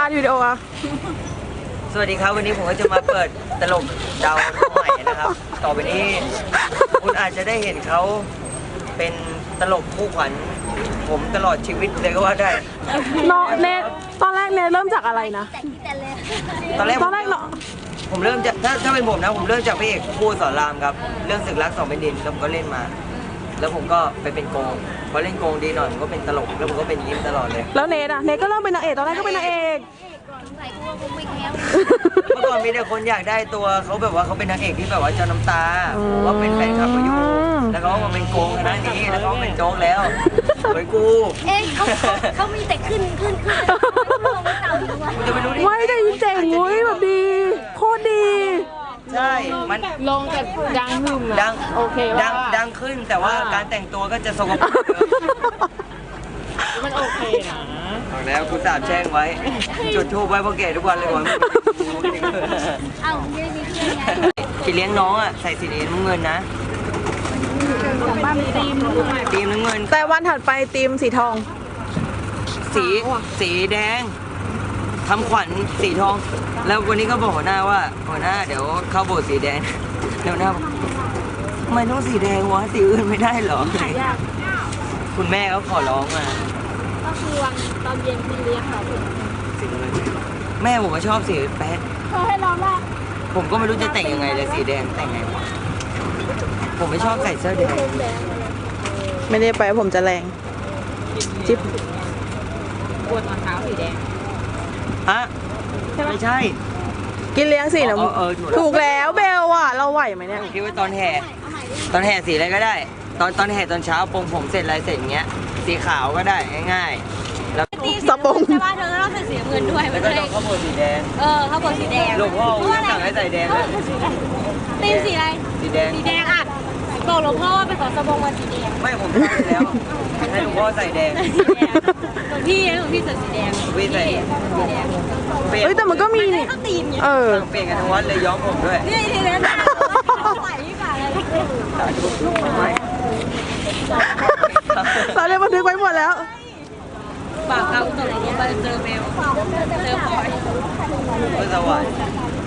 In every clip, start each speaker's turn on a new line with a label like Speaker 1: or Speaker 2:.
Speaker 1: านวิดีโออะ
Speaker 2: สวัสดีครับวันนี้ผมก็จะมาเปิดตลกดาวใหม่นะครับต่อไปนี้คุณอาจจะได้เห็นเขาเป็นตลกคู่ขวัญผมตลอดชีวิตเลยก็ว่าได้
Speaker 1: น้องเนทตอนแรกเนทเริ่มจากอะไรนะ
Speaker 2: ตอนแรก
Speaker 1: เนาะ
Speaker 2: ผมเริ่มจากถ้าเป็นผมนะผมเริ่มจากพระเอกครูสอนรามครับเรื่องศึกรักสองแผ่นดินแล้วผมก็เล่นมาแล้วผมก็ไปเป็นโกงพอเล่นโกงดีหน่อยผมก็เป็นตลกแล้วผมก็เป็นยิ้มตลอดเลย
Speaker 1: แล้วเนทอะเนทก็เริ่มเป็นนางเอกตอนแรกก็เป็นนางเอก
Speaker 2: เมื่อก่อนมีแต่คนอยากได้ตัวเขาแบบว่าเขาเป็นนางเอกที่แบบว่าเจ้าน้ำตาว่าเป็นแฟนคลับเขาอยู่แล้วเขามาเป็นโกงคณะนี้แล้วเขาเป็นโจ๊กแล้วเหมือนกู
Speaker 3: เขามีแต่ขึ้น
Speaker 2: จะไปรู้ดิ
Speaker 1: ไม่ได้เจ๋งเว้ยแบบดีโคตรดี
Speaker 2: ใช่มัน
Speaker 4: ลงแต่ดังหึ่มอะ
Speaker 2: ดัง
Speaker 4: โอเค
Speaker 2: ดังขึ้นแต่ว่าการแต่งตัวก็จะสกปรก
Speaker 4: มันโอเคนะ
Speaker 2: บอกแล้วกูสาบแช่งไว้จุดทูบไว้พ่อแก่ทุกวันเลยวัน
Speaker 3: เอ้าไม่ได้มีเพื่อนไง
Speaker 2: ที่เลี้ยงน้องอ่ะใส่สีน้ำเงินนะทีมน้ำเงิน
Speaker 1: แต่วันถัดไปทีมสีทอง
Speaker 2: สีแดงทำขวัญสีทองแล้ววันนี้ก็บอกหัวหน้าว่าหัวหน้าเดี๋ยวเข้าโบสถ์สีแดงเดี๋ยวหน้าทำไมต้องสีแดงวะสีอื่นไม่ได้หรอคุณแม่เขาขอร้องมา
Speaker 3: ก็คือวันตอนเย็นพี่เลี้ยงเขา
Speaker 2: แม่ผมก็ชอบสีแป๊ด
Speaker 3: เขาให้ร้องว่า
Speaker 2: ผมก็ไม่รู้จะแต่งยังไงเลยสีแดงแต่งไงผมไม่ชอบใส่เสื้อแดง
Speaker 1: ไม่ได้ไปผมจะแรงจิ๊บ
Speaker 4: ปวดรองเท้าสีแดง
Speaker 2: ฮะไม่ใช่
Speaker 1: กินเลี้ยงสีน้ำถูกแล้วเบลอะเราไหวไหมเนี่ย
Speaker 2: คิดว่าตอนแห่สีอะไรก็ได้ตอนแห่ตอนเช้าปรงผมเสร็จอะไรเสร็จอย่างเงี้ยสีขาวก็ได้ง่ายๆแล้ว
Speaker 1: สปง
Speaker 3: ใช่ป่ะเธอต้องใส่สีเงินด้วย
Speaker 2: แล้วก็ต้องข้าวโพดสีแดง
Speaker 3: ข้าวโพดสีแดง
Speaker 2: หลวงพ่อสั่งให้ใส่แดงเลย
Speaker 3: ตีมสีอะไร
Speaker 2: สีแดง
Speaker 3: อ่ะบอกหลวงพ่อว่าไปขอสบงมาสีแดง
Speaker 2: ไม่ผมใส่แล้วให้หลวงพ่อใส่แดง
Speaker 3: หลวงพี่ใส่สีแดง
Speaker 2: พี่ใส่
Speaker 3: สีแดง
Speaker 1: เฮ้ยแต่มันก็มีนี่
Speaker 2: เปลี่ยนกันทั้งวันเลยย้อมผมด้วย
Speaker 3: นี่ทีนั้นใส่ที่ขาอะไร
Speaker 1: ตอนนี้บันทึกไว้หมดแล้ว
Speaker 3: ปากเราตกลงไปเจอเบลเจอพลอย
Speaker 2: ก็สวรรค์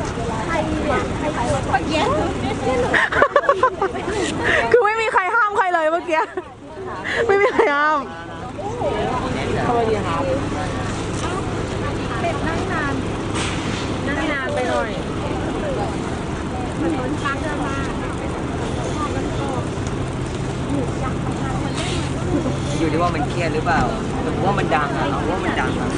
Speaker 1: คือไม่มีใครห้ามใครเลยเมื่อกี้ไม่มีใครห้าม
Speaker 4: สวัสดีครับ
Speaker 3: เป็ดนั่งนานไปหน่อยมันล้นช้างเดินมา
Speaker 2: อยู่ที่ว่ามันเครียดหรือเปล่าผมว่ามันดังอะว่ามันดังอะ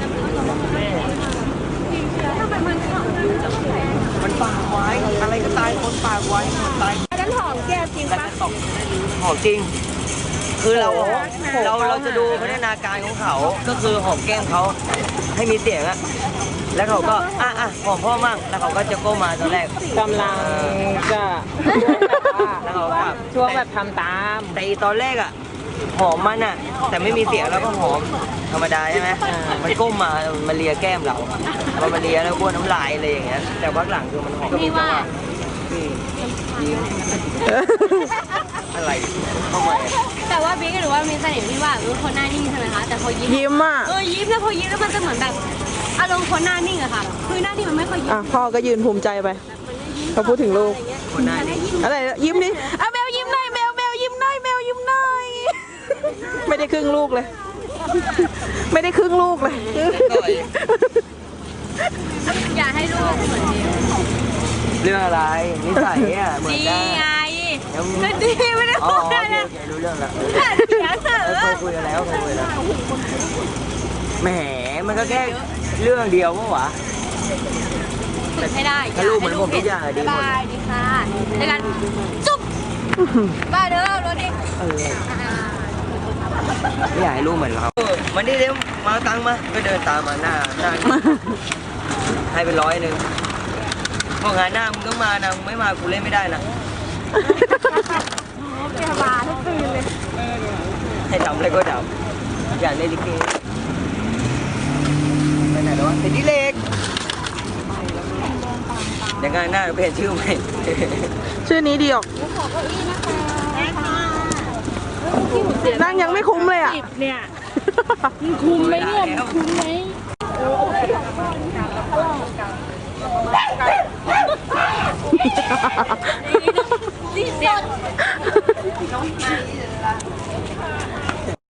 Speaker 2: มันปากไว้อะไรก็ตายคนปากไว้ตาย
Speaker 3: นั่นหอมแก้จริงปะ
Speaker 2: หอมจริงคือเราจะดูพัฒนาการของเขาก็คือหอมแก้มเขาให้มีเสียงอะแล้วเขาก็หอมพ่อมั่งแล้วเขาก็จะก้มมาตอนแรก
Speaker 4: กำลังจะ
Speaker 2: แล้วเขาก็
Speaker 4: ช่วงแบบทำตาม
Speaker 2: แต่ตอนแรกอะหอมมันอะแต่ไม่มีเสียงแล้วก็หอมธรรมดาใช่ไหมมันก้มมามันเลียแก้มเราพอมันเลียแล้วบ้วนน้ำลายอะไรอย่างเงี้ยแต่พักหลังคือมันหอม
Speaker 3: นี่ว่า
Speaker 2: ยิ้มอะไรทำไม
Speaker 3: แต่ว่าบิ๊กหรือว่ามีเสน่ห์ที่ว่าคนหน้านิ่งใช่ไหมคะแต่พอยิ้ม
Speaker 1: อ่ะ
Speaker 3: ยิ้มแล้วพอยิ้มแล้วมันจะเหมือนแบบอารมณ์คนหน้านิ่งอะค่ะคือหน้านิ่งมันไม่ค่อยยิ้ม
Speaker 1: พ่อก็ยืนภูมิใจไปเขาพูดถึงลูก
Speaker 2: คนหน้านิ่ง
Speaker 1: อะไรยิ้มดิแมวยิ้มหน่อยแมวยิ้มหน่อยแมวยิ้มหน่อยไม่ได้ครึ่งลูกเลยไม่ได้ครึ่งลูกเลย
Speaker 3: อย่าให้ลูกเหมือนเดิม
Speaker 2: เรื่องอะไรนิสัยอ่ะเหมือน
Speaker 3: กันดีไงก็ดีไม่ได้พูดอะไร
Speaker 2: รู้เรื่องแล้วเคยคุยกันแล้วแหมมันก็แค่เรื่องเดียวมั้งวะ
Speaker 3: ฝึกให้ได้
Speaker 2: ถ้าลูกเหมือนผมทุกอย่างดีหมด
Speaker 3: ดีค่ะในการจุ๊บบ้าเด้อรถดิ
Speaker 2: ไม่อยากให้ลูกเหมือนเรามันนี่เร็วมาตังมาก็เดินตามมาหน้าให้ไป100พองานหน้ามึงต้องมานะมึงไม่มากูเล่นไม่ได้นะ
Speaker 3: แกมาทุกคืนเลย
Speaker 2: ให้ทำอะไรก็ทำอยากเล่นลิเกไปไหนแล้ววะติดดิเล็กเดี๋ยวงานหน้าเปลี่ยนชื่อใหม่
Speaker 1: ชื่อนี้ดีออกนั่งยังไม่คุ้มเลยอ่ะ
Speaker 4: เนี่ยมันคุ้มไหมเนี่ยคุ้มไหม
Speaker 3: นี่